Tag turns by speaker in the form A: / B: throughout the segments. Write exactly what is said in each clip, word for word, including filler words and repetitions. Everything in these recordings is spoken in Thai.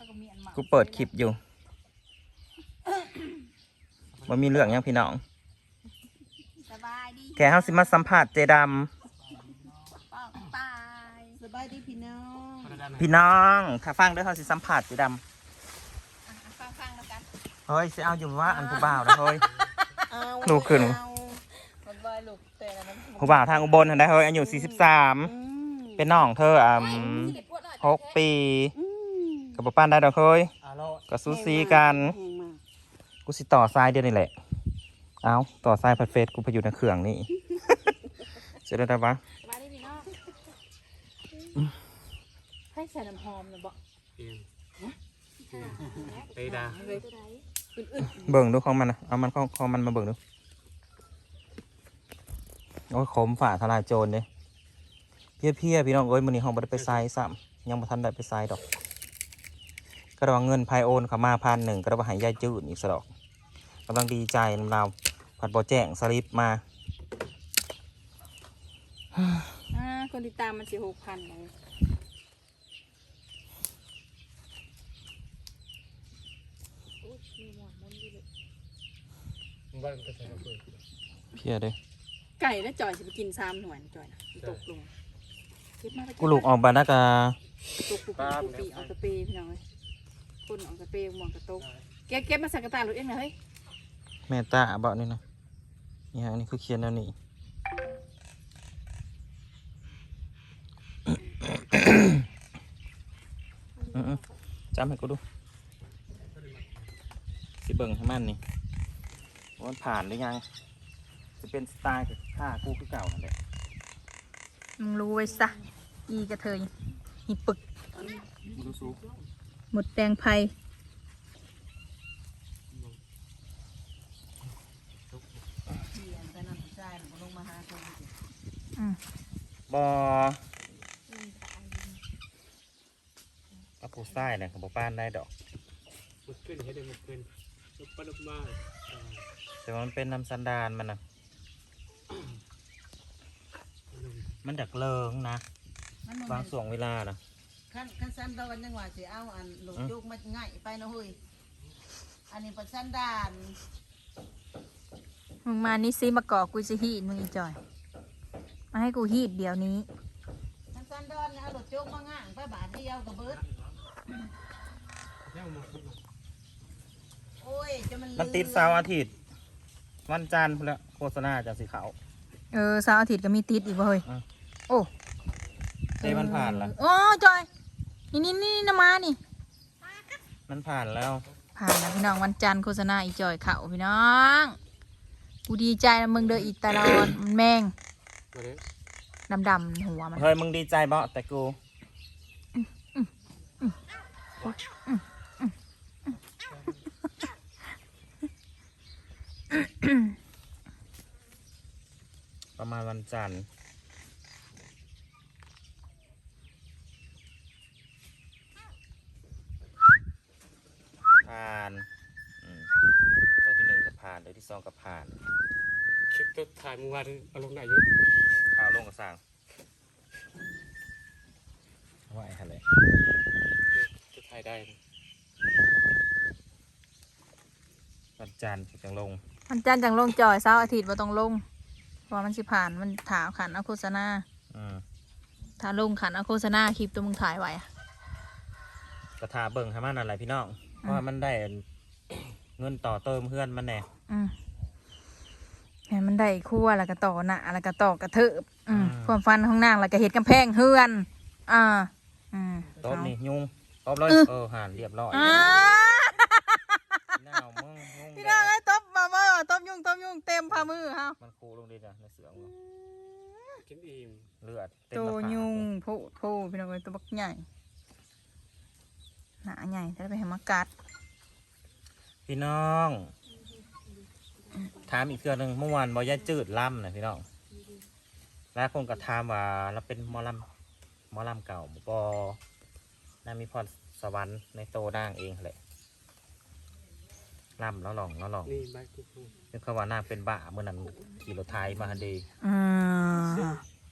A: กูเปิดคลิปอยู่ว่ามีเรื่องยังพี่น้องแค่เฮาสิมาสัมผัสเจดำ
B: สบายดีพี่น้อง
A: พี่น้องถ้าฟังด้วยเฮาสิสัมผัสเจดำ
C: ฟังๆแล้วกัน
A: เฮ้ยสิเอาอยู่ว่าอันผู้บ่าวนะเฮ้ยลูกขึ้นผู้บ่าวทางอุบลทันได้เฮ้ยอายุสี่สิบสามเป็นน้องเธออ่ะหกปีกับป้านได้ดอกเฮ้ยก็ซูซีกันกูสิต่อทรายเดียวนี่แหละเอาต่อทรายพัดเฟสกูไปอยู่ในเครื่องนี่เสร็จแล้วได้ปะ
C: มาดิพี่น้องให้ใส่น้ำหอมนะบอก
D: เตยดา
A: เบิ่งดูของมันนะเอามันของของมันมาเบิ่งดูโอ้ยขมฝ่าทลายโจรเนี่ยเพี้ยเพี้ยพี่น้องเอ้ยมื้อนี้ห้องบ่ได้ไปไซส์ซ้ำยังบ่ทันได้ไปไซส์ดอกก็ระวังเงินพายโอนเข้ามาพันหนึ่งก็ระวังหายายจืดอีกสะดอกกำลังดีใจนำเราผัดบ่แจ้งสลิปมา
C: อ่าคนติดตามมันสิหกพันเลย
A: เพี้ยเด้
C: ไก่แล้วจอยจะไปกินซ้ำหน่วยจอยนะตกลง
A: กูลูกออกบานักา
C: ตกปูปีออกกระเปย์พี่น้องเลยคนออกกระเปย์หมองกระตกเก็บเก็บมาใส่กระตาหรือเองนะเฮ้ย
A: แม่ตาเบานี่นะนี่ฮะนี่คือเขียนแล้วนี่จำให้กูดูสิเบิ่งให้มันนี่ว่ามันผ่านหรือยังจะเป็นสไตล์กับข้ากูคือเก่านั่นแหละ
C: มึงรู้ไว้ซะอีกระเทยหิปึกหมดแดงไผ่
A: บอเอาผู้ใต้เนี่ยของป้านได้ดอก
D: มันขึ้นให้ได้มันขึ้นลุกปลุกมา
A: แต่มันเป็นน้ำสันดานมันนะมันดักเลิงนะบางส่วงเวลานะ
B: ขั้นขั้นสันดานยังว่าสิเอาอันหลุดยุกมันง่ายไปนะเฮ้ยอันนี้เป็นสันดาน
C: มึงมานี่ซิมาก่อกูจะฮีดมึงอีจอยมาให้กูฮีดเดี๋ยวนี้
B: ขั้นสันดานเนี่ยเอาหลุดยุกมาง่ายไปบาทเดียวกับเบิร์ดโอ้ยจะมัน
A: มันติดเสาร์อาทิตย์วันจันทร์แล้วโฆษณาจากสีขาว
C: เออเสาร์อาทิตย์ก็มีติดอีกเว้ยโอ้
A: เต้มันผ่านแล้ว
C: โอ้จอยนี่นี่นี่น้ำมานี่
A: มันผ่านแล้ว
C: ผ่านแล้วพี่น้องวันจันทร์โฆษณาอีจอยเข่าพี่น้องกูดีใจนะมึงเด้ออีตลอดมันแมงดำดำหัวมัน
A: เฮ้ยมึงดีใจบ่แต่กูประมาณวันจันทร์ผ่านตัวที่หนึ่งกับผ่านตัวที่สองกับผ่าน
D: คลิปตัวถ่ายเมื่อวานเอาลงไหนยุทธ
A: ข่าวลงกับสั่งว่าไอ้อะไร
D: จะถ่ายได้
A: วันจันทร์จังลง
C: วันจันทร์จังลงจอยเสาร์อาทิตย์ว่าต้องลงเพราะมันสิผ่านมันถามขันเอาโฆษณาถ้าลงขันเอาโฆษณาคลิปตัวมึงถ่ายไว้
A: กระทาเบิ่งให้มันอะไรพี่น้องเพราะมันได้เงินต่อเติมเพื่อนมันแน่
C: เห็นมันได้คั่วแล้วก็ต่อหน้าแล้วก็ต่อกระเถิบความฟันของนางแล้วก็เห็ดกำแพงเฮือนอ่า
A: ตบนี่ยุงตบเลยเออห่านเรียบร้อย
C: พี่น้องไอ้ตบมาเมื่อตบยุงตบยุงเต็มพามือฮะ
A: มันคูลงดิจ้ะในเสือมึง
D: กินอิ่ม
A: เลือด
C: ตัวยุงโผล่โผล่พี่น้องไอ้ตัวบักใหญ่หนาใหญ่ถ้าไปให้มากัด
A: พี่น้องถามอีกเรื่องหนึ่งเมื่อวานบอยายจืดล่ำนะพี่น้องแล้วคงกระทำว่าเราเป็นมอลำมอลำเก่าบอน่ามีพรสวรรค์ในโตด่างเองแหละล่ำแล้วลองแล้วลอง
D: นี่ใบกุ๊ก
A: นึกว่าน่าเป็นบ้าเมื่อนั้นขี่รถไทยมาฮันดี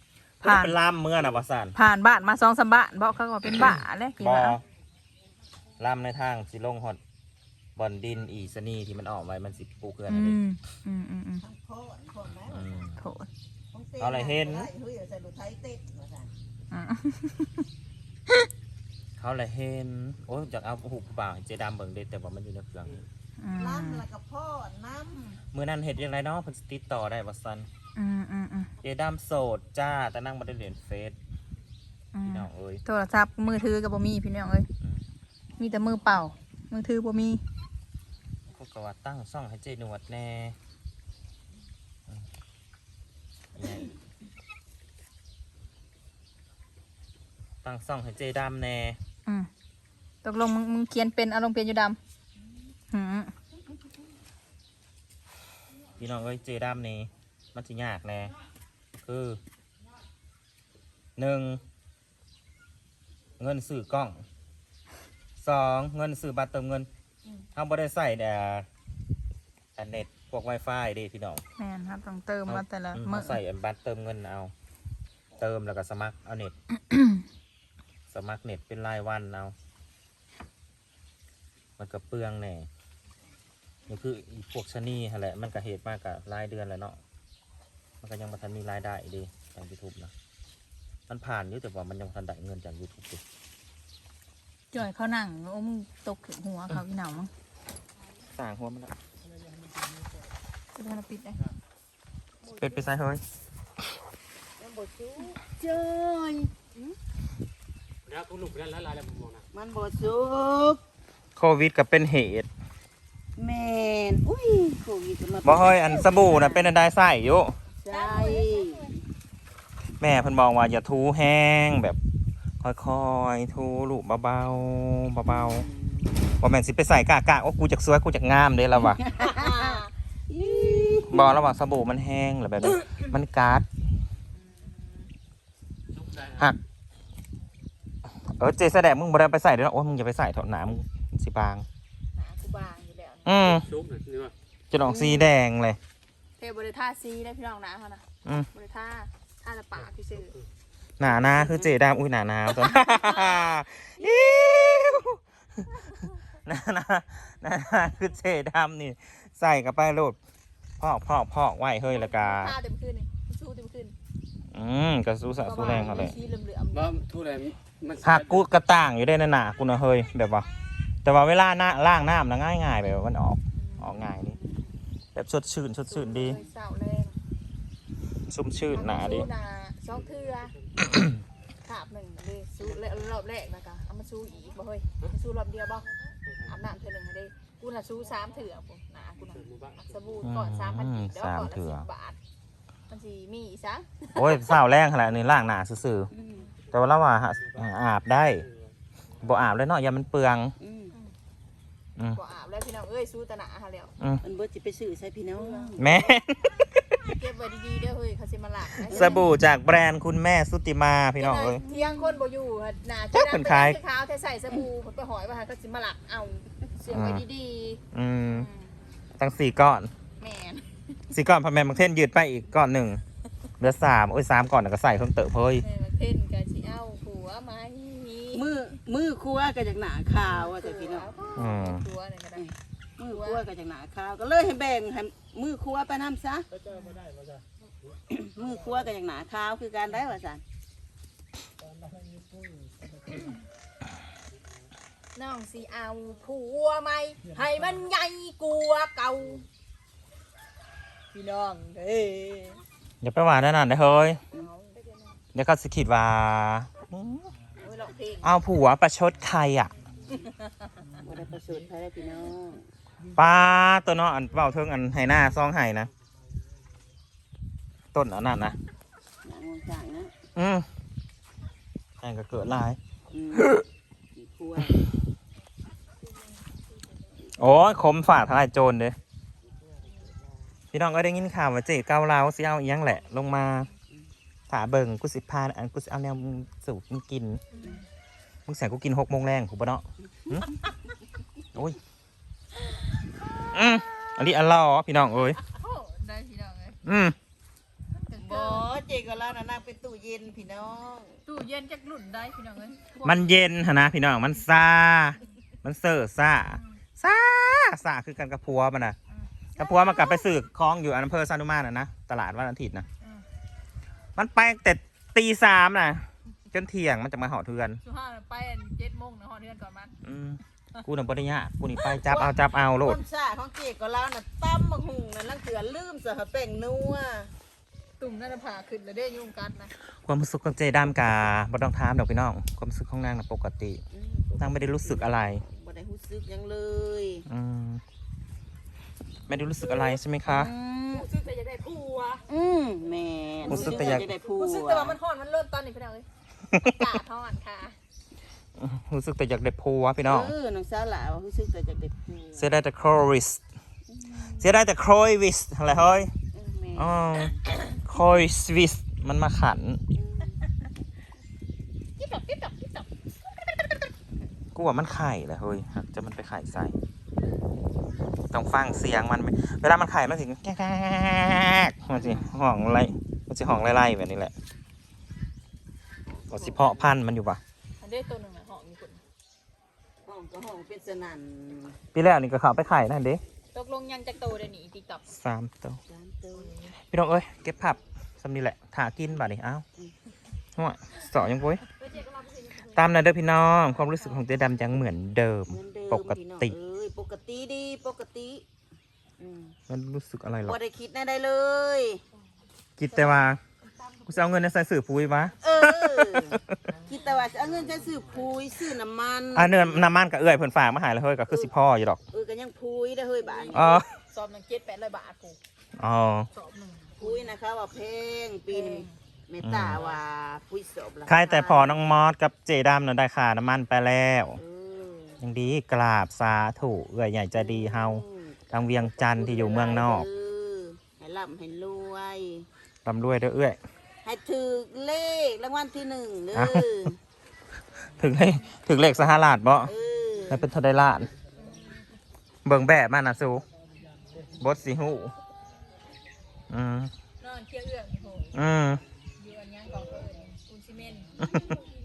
C: ผ่าน
A: เป็นล่ำเมื่อน่ะวะสัน
C: ผ่านบ้านมาสองสามบ้านบอกเขาว่าเป็นบ้าเลยกี่บ้า
A: ลำในทางสิลงหอดบอนดินอีสนีที่มันออกไว้มันสิปูเกลือน
C: อื
A: อะไร
C: มอืมอืมอืม
B: ทั้งโคตรคนแล้ว
A: อืม
C: โถด
A: เอาอะไรเห็น
B: เฮ้ยใส่รถไถเต็ดมาสั่น
C: อ่ะ
A: เขาเลยเห็นโอ้ยจากเอาหูปากเจดามเบิ่งเด็ดแต่ว่ามันอยู่ในเครื่อง
C: อืม
B: ล้ำแล้วก็พ่อน้
A: เมื่อนั้นเห็ดยังไงเนาะเพิ่นสิติดต่อได้ว่าซัน
C: อืมอืมอืม
A: เจดามโสดจ้าแต่นั่งบ่ได้เรียนเฟซ
C: อืม
A: พี่น้องเอ้ย
C: โทรศัพท์มือถือกับบ่มีพี่น้องเอ้ย
A: อืม
C: มีแต่มือเปล่า มือถือบ่มี
A: พวกก็ว่าตั้งซ่องให้เจหนวดแน่อืมอีหยังอีกตั้งซ่องให้เจดามแน่
C: อืมตกลงมึงมึงเขียนเป็นเอาลงเป็นอยู่ดำหืม
A: พี่น้องเอ้ยเจดามนี่มันสิยากแน่คือหนึ่งเงินซื้อกล้องสองเงินซื้อบัตรเติมเงินเขาบ่ได้ใส่แต่อันเน็ตพวก Wi-Fi เดิพี่น้อง
C: แม่นครับต้องเติมมาแต่ละ
A: อืม
C: มื้อ
A: เขาใส่อันบัตรเติมเงินเอา เติมแล้วก็สมัครเอาเน็ต สมัครเน็ตเป็นรายวันเอา มันก็เปลืองแน่นี่คืออีพวกชะนีหั่นแหละมันก็เหตุมากกับรายเดือนแหละเนาะมันก็ยังมาทันมีรายได้ดีจาก YouTube นะมันผ่านอยู่แต่ว่ามันยังบ่ทันได้เงินจาก YouTube ดิ
C: จ่อยเขานั่งโอ้มึงตกถึงหัวเขาพี่หนาวมั้ง
A: สร้างหัวมันละ
C: จะทำปิดได้
A: เป็ดไปใส่เฮ้ย
B: ำมันบ่สู้เจ้ย
D: แล้วกูลุกแล้วละลายแล้วผมมองนะ
B: มันบ่สุก
A: โควิดก็เป็นเหตุ
B: แม่นอุ้ยโควิดก็มา
A: บ่เฮ้ยอันสบู่น่ะเป็นอันใดใส่อยู่
B: ใช่
A: แม่เพิ่นบอกว่าอย่าทูแห้งแบบค่อยๆทูลูกเบาๆเบาๆบ่แม่นสิไปใส่กากๆโอ้กูจักสวยกูจักงามเด้แล้วว่ะ บอกระหว่างสบู่มันแห้งหรือแบบนี้มันการ์ดหักเออเจแสดงมึงบ่ได้ไปใส่เด้อโอ้ยมึงอย่าไปใส่เถอะหนามึงสิบาง
C: หนากูบางอยู่แล้ว
A: อืม
D: ซุปหน่อยนี่ว่า
A: จะออกสีแดงเลย
C: เทบริท่าซีได้พี่น้องนะเขานะ
A: อืม
C: บริท่าท่าละปากพี่ซื้อ
A: หนาหนาคือเจดามอุ้ยหนาหนาวตัว อิ๊วหนาหนาหนาหนาคือเจดามนี่ใส่กับไปโลดพอกพอกพอกไว้เฮ้ยละกา
C: ท่าเต็มขึ้นนี่สู้เต็มขึ้น
A: อืมกระสู้สะสู้แรงเขาเลย
C: ชี้เหลื่อม
D: ว่าทุเรศมัน
A: หักกูกระต่างอยู่ได้นะหนากูนะเฮ้ยแบบว่า แต่ว่าเวลาหน้าล่างน้ำนะง่ายง่ายๆแบบว่ามันออกออกง่ายดีแบบสดชื่นสดชื่นดี
C: เสาแรง
A: ชุ่มชื่นหนาดี
C: สู้นาซอกเทือขาบหนึ่งเลยสู้รอบแรกนะคะเอามาสู้อีกบ่เฮ้ยสู้รอบเดียวบ่อาบน้ำเทือหนึ่งเลยกูน่ะสู้สามเถื่อผมนะกูน่ะสบู่ก่อนสามพันกีบแล้วก่อนละสิบบาทมันสีมีอีกซะ
A: โอ้ยสาวแรงขนาดนี้ล่างหนาซื่อๆแต่ว่าเราว่าหาอาบได้บ่อาบเลยเนาะอย่ามันเปลือง
B: อืม
A: อืม
C: ก็อาบแล้วพี่น้องเอ้ยสู้ตะหนาฮะแล้ว
B: มันเบิดสิไปซื้อใส่พี่น้อง
A: แม่
C: เก็บไว้ดีๆเด้อเฮ้ยเขาสิมาหลักนะ
A: สบู่จากแบรนด์คุณแม่สุติมาพี่น้องเอ้ย
C: เที่ยงคนบ่อยู่หั่นหนา
A: จักเพิ่นขาย
C: ขาวแต่ใส่สบู่เพิ่นไปหอยว่าหั่นเขาสิมาหลักเอาเสียงไว้ดี
A: อืม
C: ๆ
A: ตั้งสี่ก้อน
C: แม่น
A: สี่ก้อนพอแม่บางเท่นยืดไปอีกก้อนหนึ่งเหลือสามโอ้ยสามก้อนแล้วก็ใส่เพิ่มเติมเฮ้ย
C: แม่มาเพ่นกันสิเอาผัวไหม
B: มือมือครัวก็จากหนาขาวว่าแต่พี่น้อง
A: อืม
C: ผัวเนี่ยก็ได้
B: มือครัวก็จากหนาขาวก็เลยให้แบ่งให้มือครัวไปน้ำซะมือครัวก็จากหนาขาวคือการได้ว่าสัน
C: น้องสิเอาผัวไหมให้มันใหญ่กว่าเก่าพี่น้องเด้
A: อย่าไปหวานนั่นนะเฮ้ย
C: เอา
A: เดี๋ยวเขาสิคิดว่าอืม
C: โอ้ยร้องเพลง
A: เอาผัวประชดใครอ่ะ
B: ว่าได้ประสูติใครได้พี่น้อง
A: ป้าตัวเนาะอันเบาเทิงอันไห้หน้าซองไห้นะต้นอันนั้นนะ
B: หนางวงจ่างนะ
A: อืมแองก็เกิดหลาย
B: อืมอีกครัว
A: โอ้ยคมฝาดทลายโจรเด้พี่น้องก็ได้ยินข่าวว่าเจ๊เกาเหลาสิเอาอีหยังแหละ ลงมาถาเบิ่งกูสิพาอันกูสิเอาแนวมึงสูบมึงกินมึงแสงกูกินหกโมงแรงกูปะเนาะหึโอ้ยอืมอันนี้อันล่อพี่น้องเอ้ย
C: โอ้ได้พี่น้องเลย
A: อืม
B: บ่เจก็แล้วนะนั่งเป็นตู้เย็นพี่น้อง
C: ตู้เย็นจักรุ่นได้พี่น้องเลย
A: มันเย็นหนนะพี่น้องมันซามันเสิร์ฟซ่าซ่าซ่าคือกันกับพัวมันนะกับพัวมันกลับไปซื้อของอยู่อำเภอซานุมาน่ะนะตลาดวันอาทิตย์นะมันไปแต่ตีสามนะจนเที่ยงมันจะมาหอเทือน
C: สุห้าไปเจ็ดโมงนะหอเทือนก่อนมัน
A: อืมกูน่ะบ่ได้ยากกูนี่ไปจับเอาจับเอาโล
B: ค
A: ด
B: นซ่าของเจ๊ก็แล้วน่ะตั้มบักหุ่งนั่นลังเถือลืมสะหะแป้งนัว
C: ตุ่มนั่นผ่าขึ้นแล้วได้ยุ่งกันนะ
A: ความรู้สึกของเจดามกาบ่ต้องถามดอกพี่น้องความรู้สึกของนางน่ะปกติ
B: อืม
A: นางไม่ได้รู้สึกอะไร
B: บ่ได้รู้สึกหยังเลย
A: อืมไม่ได้รู้สึกอะไรใช่ไหมคะ
B: อืม
C: รู้สึกแต่อยากได้ผัว
B: อืมแม่
A: รู้สึกแต่อยาก
B: ได้พูด
C: รู้สึกแต่ว่ามันฮ้อนมันเริ่มตอนนี้พี่น้องเอ้ยกาดฮ้อนค่ะ
A: รู้สึกแต่อยากได้ผัวพี่น้อง
B: เออน้องสาวหลาว่ารู้สึกแต่อยากได้พูด
A: เสียดายแต่โควิสเสียดายแต่โควิสอะไรเฮ้ย
B: เออแม่
A: อ๋อโควิสมันมาขัน
C: กิ๊บดอกกิ๊บดอกกิ๊บดอก
A: กูว่ามันไข่แหละเฮ้ยหากจะมันไปไข่ใส่ต้องฟังเสียงมันเวลามันไข่มันสิแก๊กๆมันสิห้องไรมันสิห้องไล่ๆแบบนี้แหละก็สิเพาะพันธุ์มันอยู่ปะ
C: อันนี้ตัวหนึ่งอะหอมมีคน
B: ห้องก็ห้องเป็นสนั่น
A: ปีแรกนี่ก็เขาไปไข่นั่นเด้
C: ตกลงยังจะโตเดี๋ยวนี้ติ๊กต็อก
A: สามตัว
B: จานเติม
A: พี่น้องเอ้ยเก็บผับสำนีแหละถากินบ่านี่เอ้าหัวสอยังปุ้ยตามนั้นเด้อพี่น้องความรู้สึกของเจ๊ดำยังเหมือนเดิม
B: เหมือนเดิม
A: ปก
B: พี่น้อง
A: ติ
B: เอ้ยปกติดีปกติอืม
A: มันรู้สึกอะไรหรอ
B: บ่ได้คิดแน่ได้เลย
A: คิดแต่ว่ากูจะเอาเงินในใส่สื่อปุ้ยวะ
B: เออ คิดแต่ว่าจะเอาเงินจะซื้อพุยซื้อน้ำมัน
A: อ่ะเนื้อน้ำมันกับเอื้อยเพิ่นฝากมาใหายแล้วเฮ้ยก็คือสิพ่ออยู่ดอก
B: เออก็ยังพุยได้อเฮ้ยบ้าน
A: อ๋อ
C: ซอมหนึ่งเจ็ดแปดร้อยบาทผู
A: อ๋อ
C: สอบหนึ่ง
B: พุยนะคะว่าเพลงปีนี้เมตตาว่าพุยศพละ
A: ใครแต่พอน้องมอสกับเจดำน่ะได้ค่าน้ำมันไปแล้ว
B: เออ
A: ยังดีกราบสาธุเอื้อยใหญ่ใจะดีเฮาทางเวียงจันทร์ที่อยู่เมืองนอก
B: เให้ร่ำให้รวย
A: ร่ำรวยเด้อเอื้อย
B: ให้ถือเลขรางวัลที่หนึ่งเด้อ
A: อ่ะ ถึงเลขถึงเลขสหราชบ่
B: เออ
A: แล้วเป็นเทาไดล้าน เบิ่งแบบมันนะสูบดสีหูอืม
C: นอนเที่ยวเอื้องโห
A: อืม
C: อยู่อันยังก่อนเอิญปูนซีเมนต์